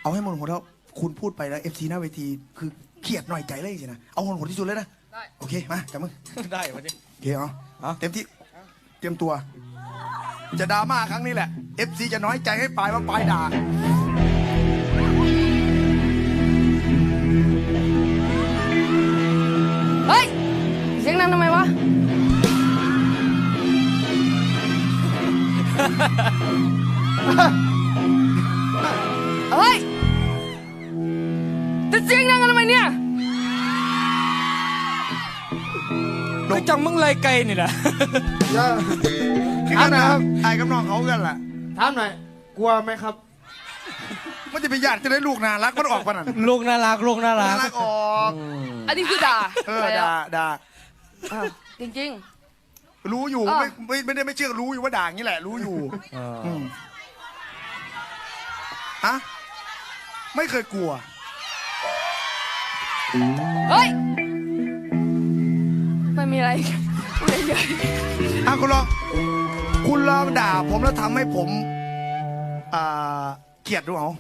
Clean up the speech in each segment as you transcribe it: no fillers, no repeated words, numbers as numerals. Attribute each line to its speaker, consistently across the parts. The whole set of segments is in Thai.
Speaker 1: เอาให้หมดหัวแล้วคุณพูดไปแล้ว FC หน้าเวทีคือเครียดหน่อยใจเลยสินะเอาหมดหัวที่สุดเลยนะโอเคมาจับมือ
Speaker 2: ได้วันนี้
Speaker 1: โอเคเต็มที่เตรียมตัว จะดราม่าครั้งนี้แหละ FC จะน้อยใจให้ปลายว่าปลายด่า
Speaker 3: เฮ้ยเสียงดังทำไมวะเฮ้ยจะเสียงดังกันทำไมเนี่ย
Speaker 2: ก็จังมึงไรไกลนี่แหละ
Speaker 1: คือกันนะครับไอ้กับน้องเขากันแหละ
Speaker 4: ถามหน่อยกลัวไหมครับ
Speaker 1: มันจะไปญาติจะได้ลูกน่ารักมันออกปะนั่น
Speaker 2: ลูกน่ารักลูกน่ารั
Speaker 1: น่าก รักออก
Speaker 3: อันนี้คือด่า
Speaker 1: ด่า
Speaker 3: อ้าวจริง
Speaker 1: รู้อยู่
Speaker 3: อ่ะ
Speaker 1: ไม่ได้ไม่เชื่อรู้อยู่ว่าด่าอย่างนี้แหละ รู้อยู่ฮะไม่เคยกลัว
Speaker 3: ๆเฮ้ยไม่มีอะไรพูดเฉย
Speaker 1: คุณลองด่าผมแล้วทำให้ผมเกลียดดูเอา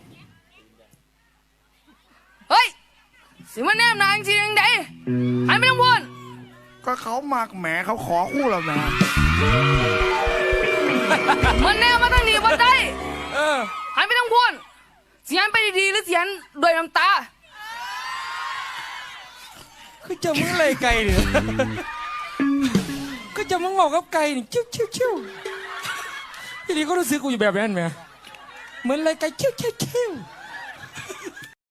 Speaker 3: ๆเฮ้ยสิมันแนมนางจริงๆไดหันไม่ต้องพูด
Speaker 1: ก็เขามากแหมเขาขอคู่เรานะ
Speaker 3: มันแนมมาตั้งนี้บ่ได้
Speaker 2: เออ
Speaker 3: หันไม่ต้องพูดเสียงไปดีๆหรือเสียงโดยน้ำตา
Speaker 2: คือจะมึงไรไกลเนี่ยก็จะมึงบอกกับไก่นี่ชิวทีนี้ก็รู้สึกกูอยู่แบบนั้นไหมเหมือนไรไกลชิว